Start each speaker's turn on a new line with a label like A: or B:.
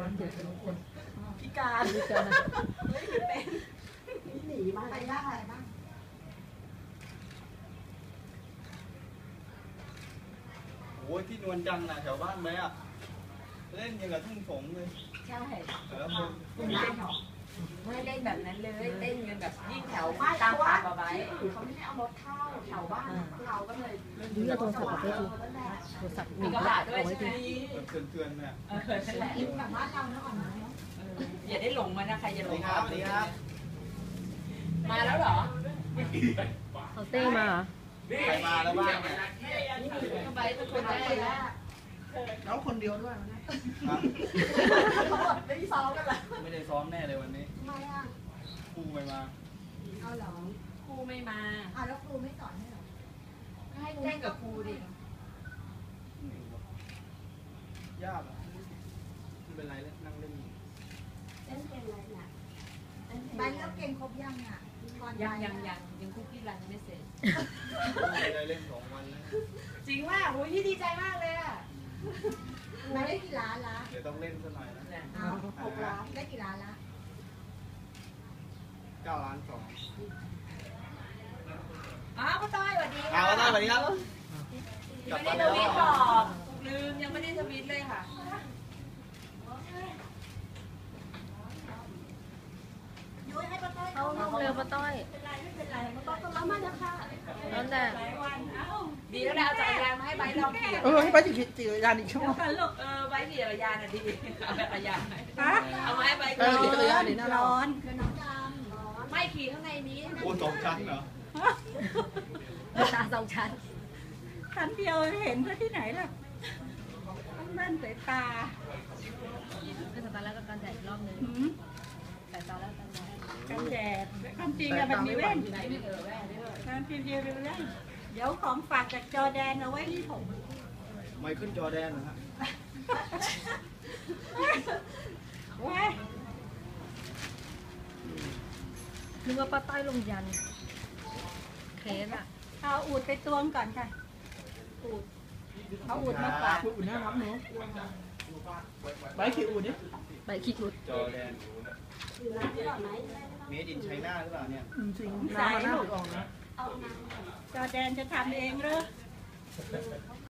A: พิการไม่เป็นหนีมาอะไรบ้าง
B: โอ้ยที่นวลจังนะแถวบ้านไหมอ่ะเล่นยังกับทุ่งสงเลย
A: ใช่
B: คุณ
A: เล่นหรอไม่เล่นแบบนั้นเลยเล่นกันแบบยิ่งแถวตามป่าบายเขาไม่ได้เอารถเข้าแถวบ้านเราก็เลย
C: นี่โทรศัพท์เอาไว้ดูโทรศัพท์มีกระดาษด้วยใช่ไหม
B: เตือนเนี่ย
A: แบบว่าเราเนาะอย่าได้หลงมานะใครจะหลงมาแล้วเหรอ
C: เขาเต้มา
B: ใครมาแล้วบ้าง
A: ไปเป็นคนได้
D: แล้วคนเดียวด้วยนะ
A: เขาบอกไม่ซ้อมกันเหรอ
B: ไม่ได้ซ้อมแน่เลยวันนี้
A: ทำไมอ่ะ
B: ครูไม่มา
A: เอาเหรอครูไม่มาแล้วครูไม่สอนให้เหรอให้แจ้งกับครูดิ
B: ยากไม่เป็นไรเลยนั่งเล่น
A: เล่นเกมอะไรเนี่ยไปเล่นเกมครบยังอ่ะยังคุกกี้รันไม่เสร็จ
B: ได้เล่น2 วันแล้ว
A: จริงว่าโอ้ยพี่ดีใจมากเลยอ่ะมาได้กี่ล้านละ
B: เดี๋ยวต้องเล่นสักหน่อยนะ
A: 6 ล้านได้กี่ล้านละ
B: 9 ล้าน 2
A: ป้าต้อยสวัสดี
B: ป้าต้อยสวัสดีครับ
A: ยังไม่ได้ทวิตบอกลืมยังไม่ได้ทวิตเลยค่ะยุ้ยให้ป้าต้อย
C: เขาเร็วป้าต้อย
A: เป็นไรไม่เป็นไรป้าต้อยก็รับมาแล้วค่ะ
C: นั่นแหละ
A: ดีแล้วเอาจักรยานมาให้ใบลองขี่
D: ให้ไปขี่จักรยานอีกชั่วโมง
A: ใบขี่จักรยานอ่ะดีเอาจักรยานเอามาให้ใบ
D: ขี่จักรยานนี่น่าร้อน
A: น้องดำไม่ขี่ข้างในนี้
B: โอ้2 ชั้นเหรอ
C: ตา2 ชั้น
D: ชั้นเดียวเห็นที่ไหนล่ะต้องแว่นสายตา
C: เป็นสตาร์แล้วก็การแดดรอบนึงแต่ตอนแล้ว
D: กันแดดความจริงอะมันมีแว่นความจริงเดียวเป็นแว่นเดี๋ยวของฝากจากจอแดนเอาไว้ที่ผม
B: ไม่ขึ้นจอแดนเหรอฮะ
C: นึกว่าป้าต้อยลงยันเคสอะ
D: เอาอูดไปตวงก่อนค่ะอูดเอาอูดมาฝากอูดน่ารักเนาะใบขี้อูดเนี่ย
C: ใบขี้อูด
B: จอแดนเมดินไชน่าหรือเปล่าเนี่ย
D: จริงน้ำมันน่าออกนะจอแดนจะทำเองหรือ